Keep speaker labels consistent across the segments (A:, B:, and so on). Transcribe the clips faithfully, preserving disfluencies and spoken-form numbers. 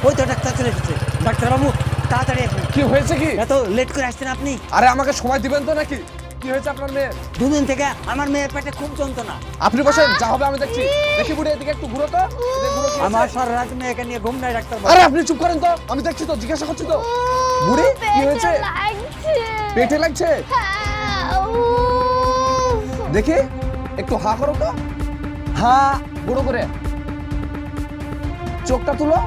A: ওই তো ডাক্তার চলে এসেছে। ডাক্তারবাবু তাড়াতাড়ি আসুন।
B: কি হয়েছে কি?
A: এত লেট করে আসছেন আপনি?
B: আরে আমাকে সময় দিবেন তো নাকি? কি হয়েছে আপনার মেয়ে?
A: দুদিন থেকে আমার মেয়ের পেটে খুব যন্ত্রণা।
B: আপনি বসেন, যা হবে আমি দেখছি। দেখি বুড়ি, এদিকে একটু ঘুরো তো। এদিকে ঘুরো, কি হয়েছে?
A: আমার সারা রাত মেয়েকে নিয়ে ঘুম নাই ডাক্তারবাবু।
B: আরে আপনি চুপ করেন তো, আমি দেখছি তো, জিজ্ঞাসা করছি তো। বুড়ি কি হয়েছে? পেটে লাগছে? দেখি একটু হা করো তো, হা বড় করে, চোখটা তুলো।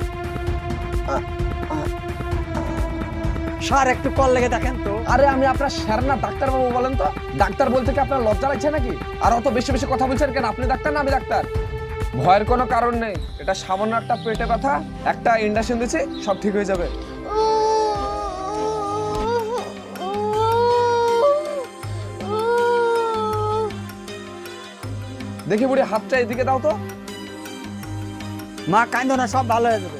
A: স্যার একটু কল লেগে দেখেন তো।
B: আরে আমি আপনার স্যার না, ডাক্তার বাবু বলেন তো। ডাক্তার বলতে কি আপনার লজ্জা লাগছে নাকি? আর অত বেশি বেশি কথা বলছেন কেন? আপনি ডাক্তার না আমি ডাক্তার। ভয়ের কোনো কারণ নেই, এটা সামান্য একটা পেটে ব্যথা, একটা ইনজেকশন দিচ্ছি, সব ঠিক হয়ে যাবে। দেখি বুড়ি, হাতটা এদিকে দাও তো।
A: মা কাঁদো না, সব ভালো হয়ে যাবে।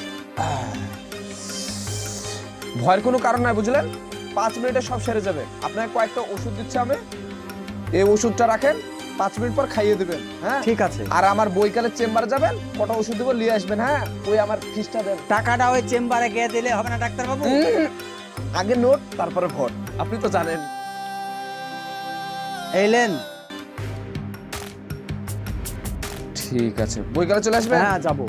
B: ভয়ের কোনো কারণ নাই, বুঝলেন? পাঁচ মিনিটে সব সেরে যাবে। আপনাকে কয়েকটা ওষুধ দিচ্ছি আমি, এই ওষুধটা রাখেন, পাঁচ মিনিট পর খাইয়ে দেবেন। হ্যাঁ
A: ঠিক আছে।
B: আর আমার বৈকালের চেম্বারে যাবেন, কটা ওষুধ দেবো, নিয়ে আসবেন। হ্যাঁ ওই আমার ফিসটা দেন।
A: টাকাটা ওই চেম্বারে গিয়ে দিলে হবে না ডাক্তারবাবু?
B: আগে নোট তারপরে ভোট, আপনি তো জানেন।
A: এলেন?
B: ঠিক আছে, বৈকালে চলে আসবেন।
A: হ্যাঁ যাবো।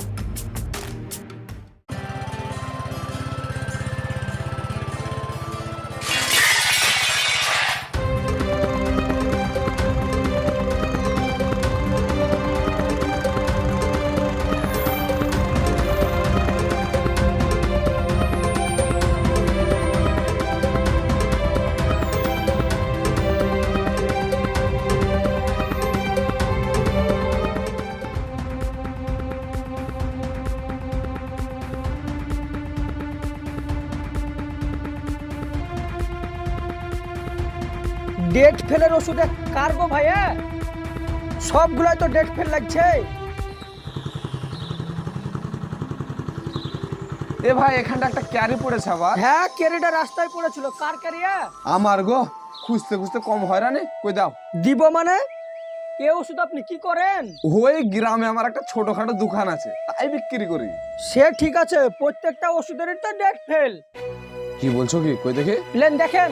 C: ডেট ফেলের ওষুধে কারবো ভাইয়া, সবগুলাই তো ডেট ফেল লাগছে।
B: এ ভাই, এখানটা একটা ক্যারি পড়েছে আবার।
C: হ্যাঁ, ক্যারিটা রাস্তায় পড়েছিল। কার ক্যারিয়া?
B: আমার গো, খুঁজতে খুঁজতে কম হয়রানি, কই দাও।
C: দিব মানে? এ ওষুধ আপনি কি করেন?
B: ওই গ্রামে আমার একটা ছোটখাটো দোকান আছে, তাই বিক্রি করি।
C: সে ঠিক আছে, প্রত্যেকটা ওষুধেরই তো ডেট ফেল।
B: কি বলছো কি? কই দেখি।
C: প্লেন দেখেন।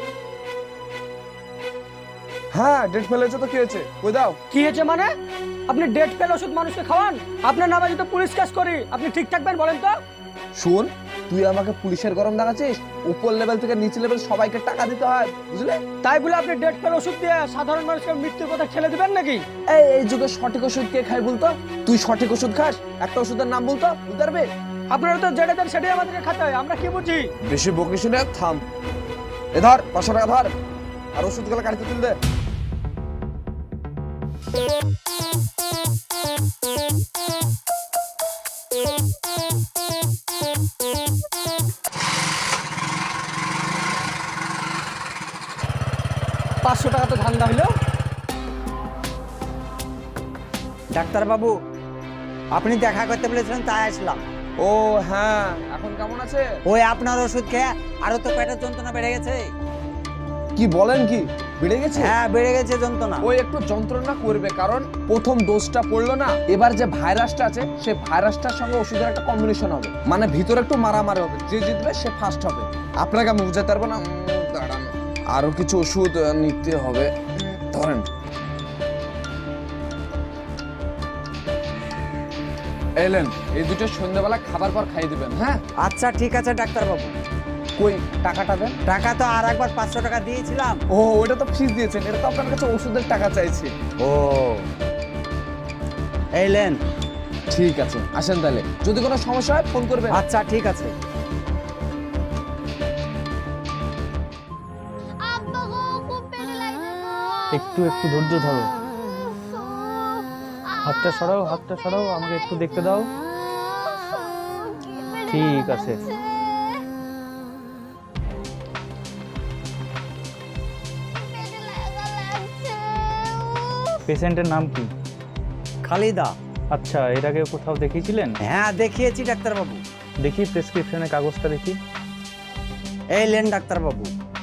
B: হ্যাঁ ডেট ফেলেছে তো, কি হয়েছে? কই দাও।
C: কি হয়েছে মানে? আপনি ডেট ফেল ওষুধ মানুষকে খাওয়ান? আপনার নামে যদি পুলিশ কেস করি, আপনি ঠিক থাকবেন বলেন তো?
B: শুন, তুই আমাকে পুলিশের গরম দেখাচ্ছিস? উপর লেভেল থেকে নিচে লেভেল সবাইকে টাকা দিতে হয়, বুঝলে?
C: তাই বলে আপনি ডেট ফেল ওষুধ দিয়ে সাধারণ মানুষের মৃত্যুর কথা ঠেলে দিবেন নাকি?
B: এই এই যুগে সঠিক ওষুধ কে খায় বলতো? তুই সঠিক ওষুধ খাস? একটা ওষুধের নাম বলতো, বুঝতে পারবে?
C: আপনারা তো যেটা দেন সেটাই আমাদেরকে খেতে হয়, আমরা কি বুঝি?
B: বেশি বকিস না, থাম। এ ধর পাঁচশো টাকা ধর, আর ওষুধ গুলো গাড়িতে তুল দে।
C: পাঁচশো টাকা তো ধান্দা হইলো।
A: ডাক্তারবাবু আপনি দেখা করতে বলেছিলেন, তাই আসলাম।
B: ও হ্যাঁ, এখন কেমন আছে?
A: ওই আপনার ওষুধ খেয়ে আরো তো পেটের যন্ত্রণা বেড়ে গেছে।
B: কি বলেন, কি বেড়ে গেছে?
A: হ্যাঁ বেড়ে গেছে যন্ত্রণা।
B: ওই একটু যন্ত্রণা করবে, কারণ প্রথম ডোজটা পড়লো না, এবার যে ভাইরাসটা আছে সেই ভাইরাসটার সঙ্গে ওষুধের একটা কম্বিনেশন হবে, মানে ভিতরে একটু মারামারি হবে, যে জিতবে সে ফার্স্ট হবে। আপনাকে আমি বুঝাতে পারবো না। উম, দাঁড়ান, আরো কিছু ওষুধ নিতে হবে। ধরেন, এলেন, এই দুটো সন্ধ্যাবেলা খাবার পর খাইয়ে দিবেন। হ্যাঁ
A: আচ্ছা ঠিক আছে ডাক্তারবাবু।
B: কই টাকাটা দেন।
A: টাকা তো আর একবার পাঁচশো টাকা দিয়েছিলাম।
B: ও ওটা তো ফিস দিয়েছেন, এটা তো আপনার কাছে ওষুধের টাকা চাইছি।
A: ও এলেন?
B: ঠিক আছে, আসেন তাহলে। যদি কোনো সমস্যা হয় ফোন করবেন।
A: আচ্ছা ঠিক আছে।
D: একটু একটু ধৈর্য ধরো। হাতটা সরাও, হাতটা সরাও, আমাকে একটু দেখতে দাও। ঠিক আছে। পেশেন্টের নাম কি?
A: খালিদা।
D: আচ্ছা, এর আগে কোথাও দেখিয়েছিলেন?
A: হ্যাঁ দেখিয়েছি ডাক্তারবাবু।
D: দেখি প্রেসক্রিপশনের কাগজটা দেখি।
A: এই লেন ডাক্তারবাবু।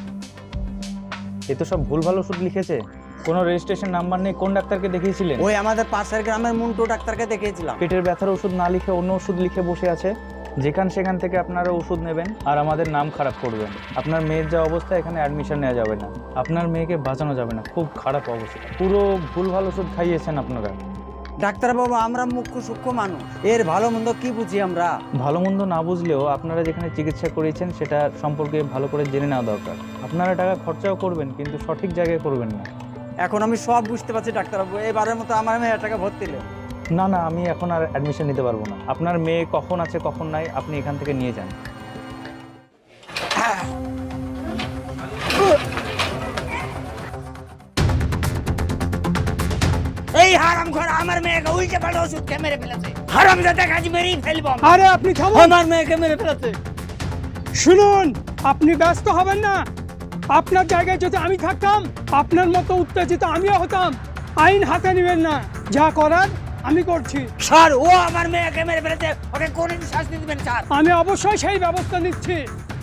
D: এ তো সব ভুলভাল ওষুধ লিখেছে, কোনো রেজিস্ট্রেশন নাম্বার নেই। কোন ডাক্তারকে দেখিয়েছিলেন?
A: ওই আমাদের পাশের গ্রামের মুন্টু ডাক্তারকে দেখিয়েছিলাম।
D: পেটের ব্যথার ওষুধ না লিখে অন্য ওষুধ লিখে বসে আছে। যেখান সেখান থেকে আপনারা ওষুধ নেবেন আর আমাদের নাম খারাপ করবেন। আপনার মেয়ের যা অবস্থা, এখানে অ্যাডমিশন নেওয়া যাবে না, আপনার মেয়েকে বাঁচানো যাবে না, খুব খারাপ অবস্থা। পুরো ভুলভাল ওষুধ খাইয়েছেন আপনারা।
A: ডাক্তারবাবু আমরা মুখ্য সূক্ষ্ম মানুষ, এর ভালো মন্দ কি বুঝি আমরা?
D: ভালো মন্দ না বুঝলেও আপনারা যেখানে চিকিৎসা করিয়েছেন সেটা সম্পর্কে ভালো করে জেনে নেওয়া দরকার। আপনারা টাকা খরচাও করবেন কিন্তু সঠিক জায়গায় করবেন না।
A: এখন আমি সব বুঝতে পারছি ডাক্তারবাবু, এবারের মতো আমার মেয়েটাকে ভর্তি নেই।
D: না না, আমি এখন আর অ্যাডমিশন নিতে পারবো না। আপনার মেয়ে কখন আছে কখন নাই আপনি এখান থেকে নিয়ে যান।
A: এই হারামখোর আমার মেয়েকে উল্টে পাল্টে ওষুধ খেয়ে মেরে ফেলেছে। হারামজাদা কাজ মেরেই ফেলবো আমি।
C: আরে আপনি থামুন,
A: আমার মেয়েকে মেরে ফেলেছে।
C: শুনুন, আপনি ব্যস্ত হবেন না। আপনার জায়গায় যদি আমি থাকতাম, আপনার মতো উত্তেজিত আমিও হতাম। আইন হাতে নেবেন না, যা করার আমি করছি।
A: স্যার, ও আমার মেয়েকে মেরে ফেলেছে, ওকে কোন শাস্তি দিবেন স্যার?
C: আমি অবশ্যই সেই ব্যবস্থা নিচ্ছি।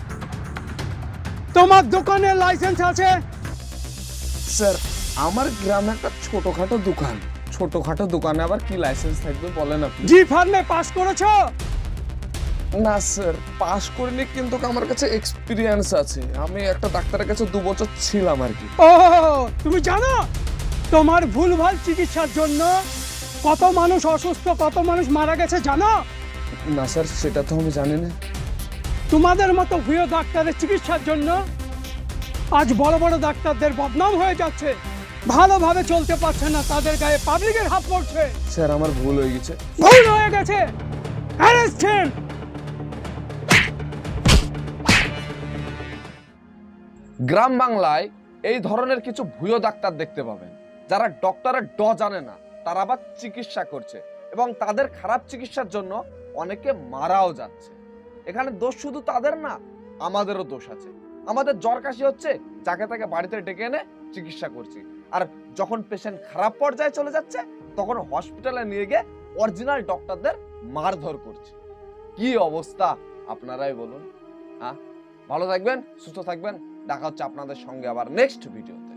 C: তোমার দোকানের লাইসেন্স আছে?
B: স্যার, আমার গ্রামে একটা ছোটখাটো দোকান, ছোটখাটো দোকানে আবার কি লাইসেন্স থাকবে বলেন আপনি?
C: জি ফার্মে পাস করেছো?
B: না স্যার, পাস করিনি, কিন্তু আমার কাছে এক্সপিরিয়েন্স আছে। আমি একটা ডাক্তারের কাছে দু বছর ছিলাম আর কি।
C: ও, তুমি জানো তোমার ভুলভাল চিকিৎসার জন্য কত মানুষ অসুস্থ, কত মানুষ মারা গেছে জানো?
B: না স্যার, সেটা তো আমি জানি না।
C: তোমাদের মতো ভুয়ো ডাক্তারের চিকিৎসার জন্য আজ বড় বড় ডাক্তারদের বদনাম হয়ে যাচ্ছে, ভালোভাবে চলতে পারছে না, তাদের গায়ে পাবলিকের হাত পড়ছে।
B: স্যার, আমার ভুল হয়ে গেছে।
C: ভুল হয়ে গেছে, অ্যারেস্ট হিম।
B: গ্রাম বাংলায় এই ধরনের কিছু ভুয়ো ডাক্তার দেখতে পাবেন, যারা ডক্টরের ড জানে না, তারা আবার চিকিৎসা করছে এবং তাদের খারাপ চিকিৎসার জন্য অনেকে মারাও যাচ্ছে। এখানে দোষ শুধু তাদের না, আমাদেরও দোষ আছে। আমাদের জ্বর কাশি হচ্ছে, যাকে তাকে বাড়িতে ডেকে এনে চিকিৎসা করছি, আর যখন পেশেন্ট খারাপ পর্যায়ে চলে যাচ্ছে তখন হসপিটালে নিয়ে গিয়ে অরিজিনাল ডক্টরদের মারধর করছি। কি অবস্থা আপনারাই বলুন। হ্যাঁ, ভালো থাকবেন, সুস্থ থাকবেন। দেখা হচ্ছে আপনাদের সঙ্গে আবার নেক্সট ভিডিও।